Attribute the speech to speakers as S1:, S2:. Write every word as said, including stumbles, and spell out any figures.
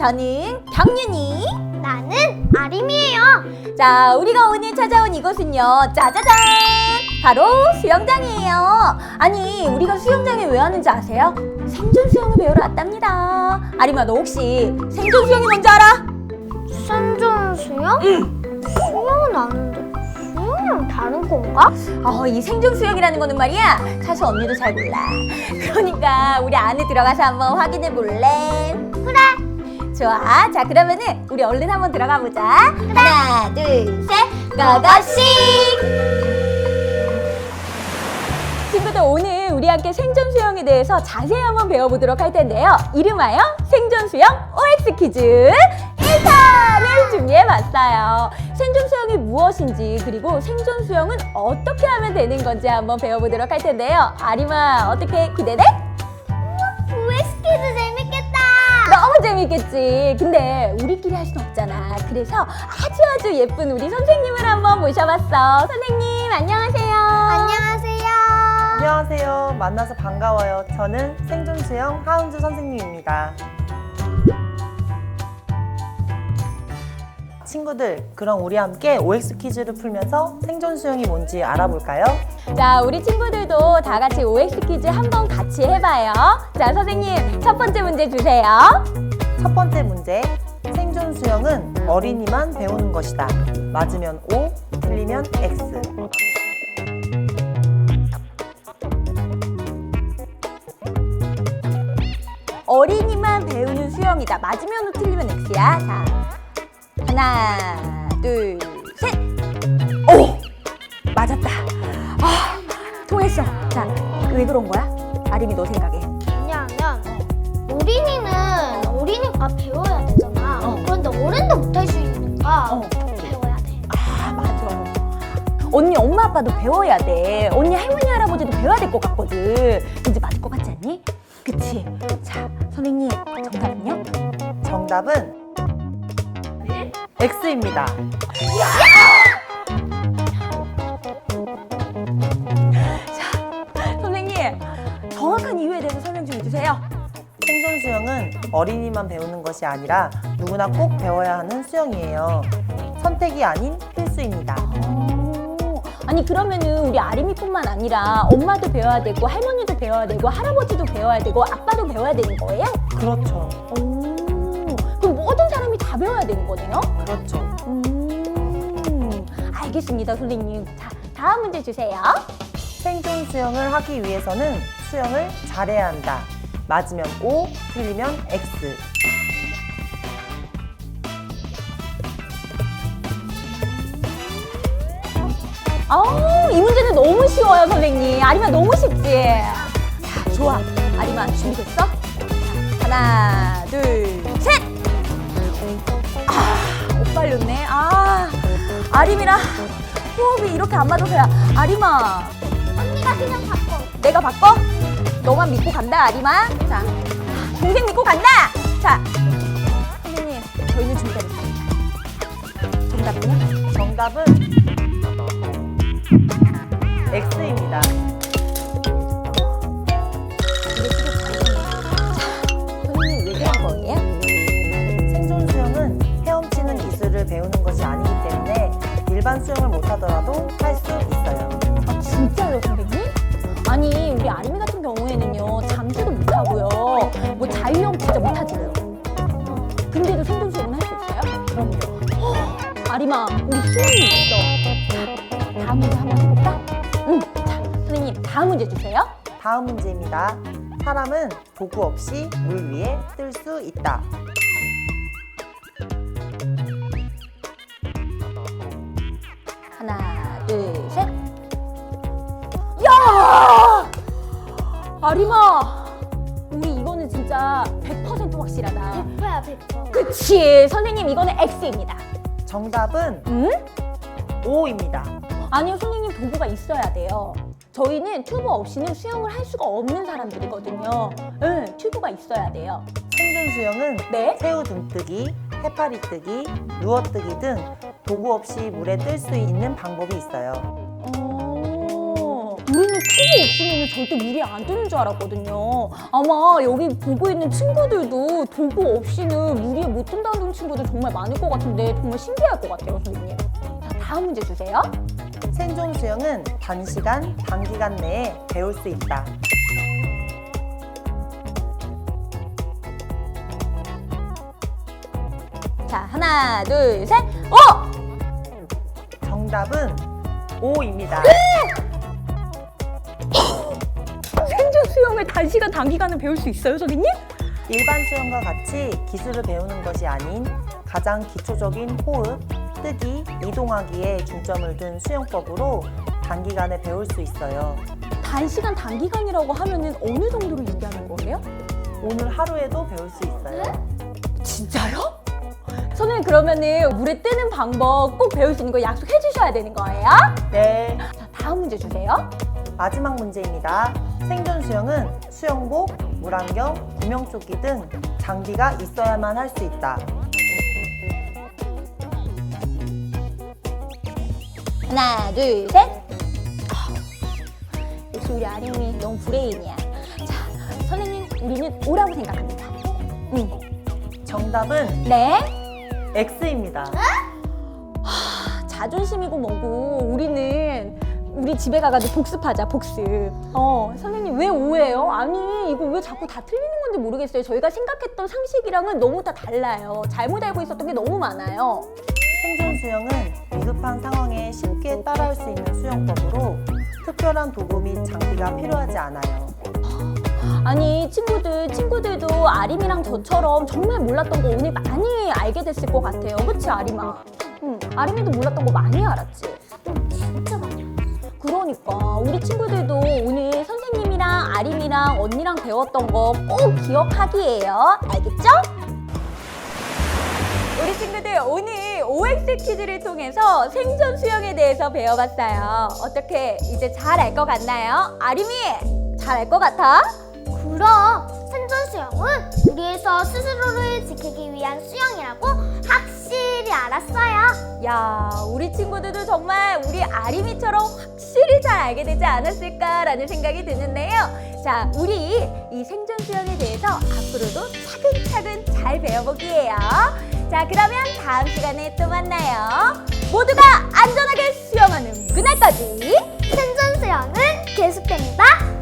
S1: 저는 경윤이.
S2: 나는 아림이에요.
S1: 자, 우리가 오늘 찾아온 이곳은요, 짜자잔! 바로 수영장이에요. 아니, 우리가 수영장에 왜 왔는지 아세요? 생존 수영을 배우러 왔답니다. 아림아, 너 혹시 생존 수영이 뭔지 알아?
S2: 생존 수영?
S1: 응.
S2: 수영은 아는데 수영이랑 다른 건가?
S1: 어, 이 생존 수영이라는 거는 말이야, 사실 언니도 잘 몰라. 그러니까 우리 안에 들어가서 한번 확인해 볼래?
S2: 그래.
S1: 좋아. 자, 그러면은 우리 얼른 한번 들어가 보자. 하나, 둘, 셋, 고고씩! 친구들, 오늘 우리 함께 생존 수영에 대해서 자세히 한번 배워보도록 할 텐데요. 이름하여 생존 수영 오엑스 퀴즈 일 탄을 준비해봤어요. 생존 수영이 무엇인지, 그리고 생존 수영은 어떻게 하면 되는 건지 한번 배워보도록 할 텐데요. 아림아, 어떻게 기대돼?
S2: 오엑스 퀴즈 재밌겠다.
S1: 너무 재밌겠지. 근데 우리끼리 할 순 없잖아. 그래서 아주 아주 예쁜 우리 선생님을 한번 모셔봤어. 선생님, 안녕하세요.
S2: 안녕하세요.
S3: 안녕하세요. 만나서 반가워요. 저는 생존 수영 하은주 선생님입니다. 친구들, 그럼 우리 함께 오엑스 퀴즈를 풀면서 생존 수영이 뭔지 알아볼까요?
S1: 자, 우리 친구들도 다 같이 오엑스 퀴즈 한번 같이 해봐요. 자, 선생님, 첫 번째 문제 주세요.
S3: 첫 번째 문제. 생존 수영은 어린이만 배우는 것이다. 맞으면 O, 틀리면 X.
S1: 어린이만 배우는 수영이다. 맞으면 O, 틀리면 X야. 자, 하나, 둘, 셋. 오! 맞았다. 아, 통했어. 자, 왜 그런 거야? 아림이 너 생각해.
S2: 왜냐하면 어린이는 어린이가 배워야 되잖아.
S1: 어.
S2: 그런데 어른도 못할 수 있으니까
S1: 어.
S2: 배워야 돼.
S1: 아, 맞아. 언니 엄마 아빠도 배워야 돼. 언니 할머니 할아버지도 배워야 될 것 같거든. 왠지 맞을 것 같지 않니? 그치? 자, 선생님, 정답은요?
S3: 정답은 X입니다.
S1: 선생님, 정확한 이유에 대해서 설명 좀 해주세요.
S3: 생존 수영은 어린이만 배우는 것이 아니라 누구나 꼭 배워야 하는 수영이에요. 선택이 아닌 필수입니다.
S1: 오, 아니 그러면은 우리 아림이뿐만 아니라 엄마도 배워야 되고 할머니도 배워야 되고 할아버지도 배워야 되고 아빠도 배워야 되는 거예요?
S3: 그렇죠.
S1: 오, 그럼 모든 사람이 다 배워야 되는 거네요?
S3: 그렇죠.
S1: 음, 알겠습니다, 선생님. 자, 다음 문제 주세요.
S3: 생존 수영을 하기 위해서는 수영을 잘해야 한다. 맞으면 O, 틀리면 X.
S1: 아우, 이 문제는 너무 쉬워요, 선생님. 아림아, 너무 쉽지? 자, 좋아. 아림아, 준비됐어? 자, 하나, 둘, 셋! 아, 옷 빨렸네. 아, 아림이랑 호흡이 이렇게 안 맞아서야. 아림아,
S2: 언니가 그냥 바꿔.
S1: 내가 바꿔? 너만 믿고 간다, 아림아. 자, 동생 믿고 간다! 자, 선생님, 저희는 준비가 됐습니다. 정답은요?
S3: 정답은 X입니다.
S1: 이게 시계 잘했네. 자, 선생님 왜 그런 거예요?
S3: 생존 수영은 헤엄치는 기술을 배우는 것이 아니기 때문에 일반 수영을 못하더라도 할 수 있어요.
S1: 아, 진짜요, 선생님? 아니, 우리 아림이 같은 경우에는요, 잠수도 못하고요, 뭐 자유형 진짜 못하지요. 근데도 생존 수영은 할 수 있어요?
S3: 그럼요.
S1: 허, 아림아, 우리 수영이 있어. 자, 다음 문제 한번 해볼까? 응. 자, 선생님, 다음 문제 주세요.
S3: 다음 문제입니다. 사람은 도구 없이 물 위에 뜰 수 있다.
S1: 하나, 둘, 셋. 야! 아림아, 우리 이거는 진짜 백 퍼센트 확실하다.
S2: 백 퍼야 백 퍼.
S1: 그치, 선생님 이거는 X입니다.
S3: 정답은
S1: 응?
S3: O입니다.
S1: 아니요, 선생님 도구가 있어야 돼요. 저희는 튜브 없이는 수영을 할 수가 없는 사람들이거든요. 응, 튜브가 있어야 돼요.
S3: 생존 수영은
S1: 네?
S3: 새우 등뜨기, 해파리 뜨기, 누워뜨기 등 도구 없이 물에 뜰 수 있는 방법이 있어요.
S1: 어, 음, 우리는 튜브 없으면 절대 물이 안 뜨는 줄 알았거든요. 아마 여기 보고 있는 친구들도 도구 없이는 물이 못 뜬다는 친구들 정말 많을 것 같은데 정말 신기할 것 같아요, 선생님. 자, 다음 문제 주세요.
S3: 생존 수영은 단시간, 단기간 내에 배울 수 있다.
S1: 자, 하나, 둘, 셋, 오!
S3: 정답은 오입니다.
S1: 생존 수영을 단시간, 단기간에 배울 수 있어요, 선생님?
S3: 일반 수영과 같이 기술을 배우는 것이 아닌 가장 기초적인 호흡, 뜨기, 이동하기에 중점을 둔 수영법으로 단기간에 배울 수 있어요.
S1: 단시간, 단기간이라고 하면은 어느 정도를 얘기하는 거예요?
S3: 오늘 하루에도 배울 수 있어요.
S1: 진짜요? 선생님 그러면은 물에 뜨는 방법 꼭 배울 수 있는 거 약속해 주셔야 되는 거예요?
S3: 네.
S1: 자, 다음 문제 주세요.
S3: 마지막 문제입니다. 생존 수영은 수영복, 물안경, 구명조끼 등 장비가 있어야만 할 수 있다.
S1: 하나, 둘, 셋. 아우, 역시 우리 아림이 너무 브레인이야. 자, 선생님 우리는 O라고 생각합니다. 응.
S3: 정답은
S1: 네.
S3: X입니다.
S1: 자존심이고 뭐고 우리는 우리 집에 가가지고 복습하자, 복습. 어, 선생님 왜 오해요? 아니 이거 왜 자꾸 다 틀리는 건지 모르겠어요. 저희가 생각했던 상식이랑은 너무 다 달라요. 잘못 알고 있었던 게 너무 많아요.
S3: 생존 수영은 위급한 상황에 쉽게 따라할 수 있는 수영법으로 특별한 도구 및 장비가 필요하지 않아요.
S1: 아니 친구들, 친구들도 아림이랑 저처럼 정말 몰랐던 거 오늘 많이 알게 됐을 것 같아요. 그치 아림아? 응, 아림이도 몰랐던 거 많이 알았지?
S2: 진짜 많이 알았어.
S1: 그러니까 우리 친구들도 오늘 선생님이랑 아림이랑 언니랑 배웠던 거 꼭 기억하기예요. 알겠죠? 우리 친구들 오늘 오엑스 퀴즈를 통해서 생존 수영에 대해서 배워봤어요. 어떻게 이제 잘 알 것 같나요? 아림이 잘 알 것 같아?
S2: 그럼 생존 수영은 우리에서 스스로를 지키기 위한 수영이라고 확실히 알았어요.
S1: 야, 우리 친구들도 정말 우리 아림이처럼 확실히 잘 알게 되지 않았을까라는 생각이 드는데요. 자, 우리 이 생존 수영에 대해서 앞으로도 차근차근 잘 배워보기예요. 자, 그러면 다음 시간에 또 만나요. 모두가 안전하게 수영하는 그날까지
S2: 생존 수영은 계속됩니다.